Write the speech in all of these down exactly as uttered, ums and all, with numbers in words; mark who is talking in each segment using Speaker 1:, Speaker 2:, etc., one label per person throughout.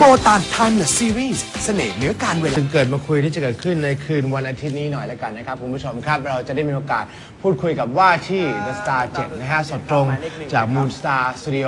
Speaker 1: บตานไทม์เลสซีรีส์เสน่ห์เหนือการเวลาถึงเกิดมาคุยที่จะเกิดขึ้นในคืนวันอาทิตย์นี้หน่อยแล้วกันนะครับคุณผู้ชมครับเราจะได้มีโอกาสพูดคุยกับว่าที่ The Star เจ็ดนะฮะสดตรงจาก Moon Star Studio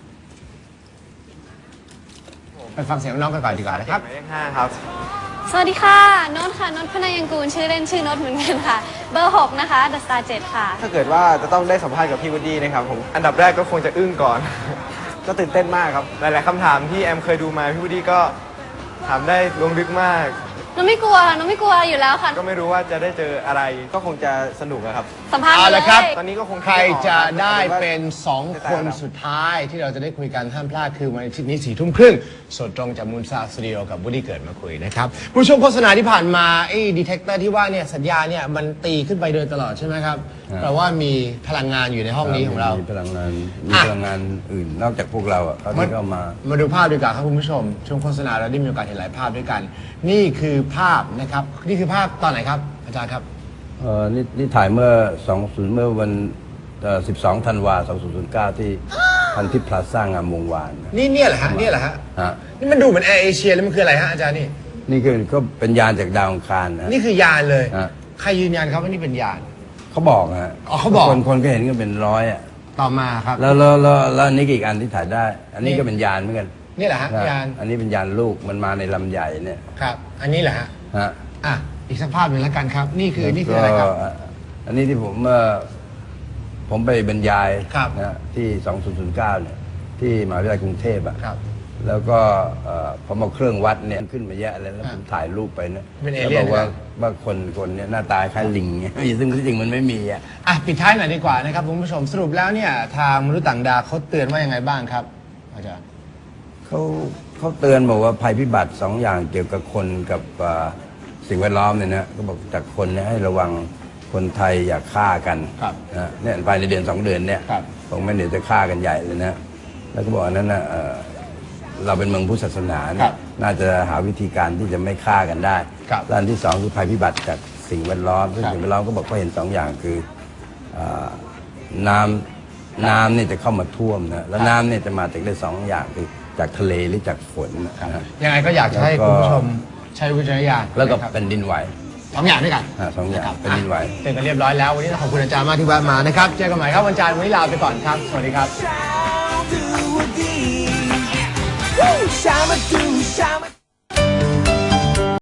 Speaker 1: ไปฟังเสียงน้องกันก่อนดีกว่านะครับ
Speaker 2: หมายเลขห้าครับ
Speaker 3: สวัสดีค่ะโน้ตค่ะโน้ตพนายังกูลชื่อเล่นชื่อโน้ตเหมือนกันค่ะเบอร์หกนะคะ The Star เจ็ดค่ะ
Speaker 2: ถ้าเกิดว่าจะต้องได้สัมภาษณ์กับพี่วูดดี้นะครับผมอันดับแรกก็คงจะอึ้งก่อน ก็ตื่นเต้นมากครับหลายๆคำถามที่แอมเคยดูมาพี่วูดดี้ก็ถามได้ลงลึกมาก
Speaker 3: โน้ตไม่กลัวโน้ตไม่กลัวอยู่แล้วค่ะ
Speaker 2: ก็ไม่รู้ว่าจะได้เจออะไรก็คงจะสนุกอะครับ
Speaker 3: สัมภาษณ์
Speaker 1: เอา
Speaker 3: มาเล
Speaker 1: ละครับ
Speaker 3: ย
Speaker 2: ตอนนี้ก็คง
Speaker 1: ใครจะได้
Speaker 2: คิม่ออก
Speaker 1: เป็นสองคนสุดท้ายที่เราจะได้คุยกันห้ามพลาดคือวันอาทิตย์นี้สี่ทุ่มครึ่งสดตรงจากมูนซาสตูดิโอกับวูดดี้เกิดมาคุยนะครับผู้ชมโฆษณาที่ผ่านมาไอ้ดีเทคเตอร์ที่ว่าเนี่ยสัญญาเนี่ยมันตีขึ้นไปโดยตลอดใช่ไหมครับแปลว่ามีพลังงานอยู่ในห้องนี้ของเรา
Speaker 4: มีพลังงานมี
Speaker 1: อ่ะ
Speaker 4: พลังงานอื่นนอกจากพวกเราอ่ะเขาที่เข้ามา
Speaker 1: มาดูภาพดีกว่าครับคุณผู้ชมช่วงโฆษณาเราได้มีโอกาสเห็นหลายภาพด้วยกัน นี่คือภาพนะครับนี่คือภาพตอนไหนครับอาจารย์ครับ
Speaker 4: เอ่อนี่นี่ถ่ายเมื่อสองศูนย์เมื่อวันเอ่อสิบสองธันวาสองพันเก้าที่พันทิพย์พลาซ่างามวงวานนะ
Speaker 1: นี่เนี่ยเหรอฮะเนี่ยเหรอฮะ
Speaker 4: ฮะ
Speaker 1: นี่มันดูเหมือนแอร์เอเชียแล้วมันคืออะไรฮะอาจารย์นี่
Speaker 4: นี่คือก็เป็นยานจากดาวอังคารนะ
Speaker 1: นี่คือยานเลย
Speaker 4: ฮะ
Speaker 1: ใครยืนยันครับว่านี่เป็นยาน
Speaker 4: เขาบอกฮะ
Speaker 1: อ๋อเขาบอก
Speaker 4: คนคนก็เห็นก็เป็นร้อยอ่ะ
Speaker 1: ต่อมาครับ
Speaker 4: แล้วแล้วแล้วแล้วอันนี้ก็อีกอันที่ถ่ายได้ อันนี้ก็เป็นยานเหมือนกัน
Speaker 1: นี่แหละฮะ
Speaker 4: นะ
Speaker 1: ยาน
Speaker 4: อันนี้เป็นยานลูกมันมาในลำใหญ่เนี่ย
Speaker 1: ครับ อันนี้แหละฮะ
Speaker 4: ฮะ
Speaker 1: อ่ะอีกสักภาพหนึ่งแล้วกันครับ นี่คือนี่คืออะไรครับ
Speaker 4: ก็อันนี้ที่ผมเอ่อผมไปบรรยาย
Speaker 1: ครับ
Speaker 4: นะที่สองพันเก้าเนี่ยที่มหาวิทยาลัยกรุงเทพอ่ะ
Speaker 1: ครับ
Speaker 4: แล้วก็เอ่อผมเอาเครื่องวัดเนี่ยขึ้นมาแยะเลยแล้ว
Speaker 1: อ่ะ
Speaker 4: ผมถ่ายรูปไปนะ
Speaker 1: เป็นเอ
Speaker 4: แล้ว
Speaker 1: เลี่ยน
Speaker 4: บอกว่า
Speaker 1: นะ
Speaker 4: ว่าคนคนเนี่ยหน้าตาคล้ายลิงเนี่ย ซึ่งที่จริงมันไม่มีอ่ะ
Speaker 1: อ่ะปิดท้ายหน่อยดีกว่านะครับคุณผู้ชมสรุปแล้วเนี่ยทางมนุษย์ต่างดาวเขาเตือนว่ายังไงบ้างครับอาจารย์
Speaker 4: เขาเขาเตือนบอกว่าภัยพิบัติสองอย่างเกี่ยวกับคนกับเอ่อสิ่งแวดล้อมเนี่ยนะก็บอกจากคนเนี่ยให้ระวังคนไทยอย่าฆ่ากัน
Speaker 1: ครับ
Speaker 4: นะเนี่ยภายในเดือนสองเดือนเนี่ย
Speaker 1: ครับ
Speaker 4: ผมไม่เดี๋ยวจะฆ่ากันใหญ่เลยนะแล้วก็บอกอันนั้นนะเอ่อเราเป็นเมืองพุทธศาสนา
Speaker 1: ครั
Speaker 4: เนี่ย
Speaker 1: บ
Speaker 4: น่าจะหาวิธีการที่จะไม่ฆ่ากันได้
Speaker 1: ครับ
Speaker 4: ด้านที่สองคือภัยพิบัติจากสิ่งแวดล้อมซึ่ง
Speaker 1: ครับ
Speaker 4: สิ่งแวดล้อมก็บอกว่าเห็นสองอย่างคือเอ่อน้ำน้ำเนี่ยจะเข้ามาท่วมนะแล้วน้ำเนี่ยจะมาจากได้สองอย่างคือจากทะเลหรือจากฝนนะฮะ
Speaker 1: ยังไงก็อยากจะให้
Speaker 4: แล้วก็
Speaker 1: คุณผู้ชมใช้วิจารณญาณ
Speaker 4: แล้วก็
Speaker 1: นะครับ
Speaker 4: แผ่นดินไหว
Speaker 1: สองอย่างด้วยกัน
Speaker 4: อ่าสองอย่าง
Speaker 1: ะครับ
Speaker 4: แผ่นดินไหว
Speaker 1: อ่ะเสร็จกันเรียบร้อยแล้ววันนี้ต้องขอบคุณอาจารย์มากที่แวะมานะครับเจอกันใหม่ครับวันจันทร์วันนี้ลาไปก่อนครับสวัสดีครับ
Speaker 5: Shama do, shama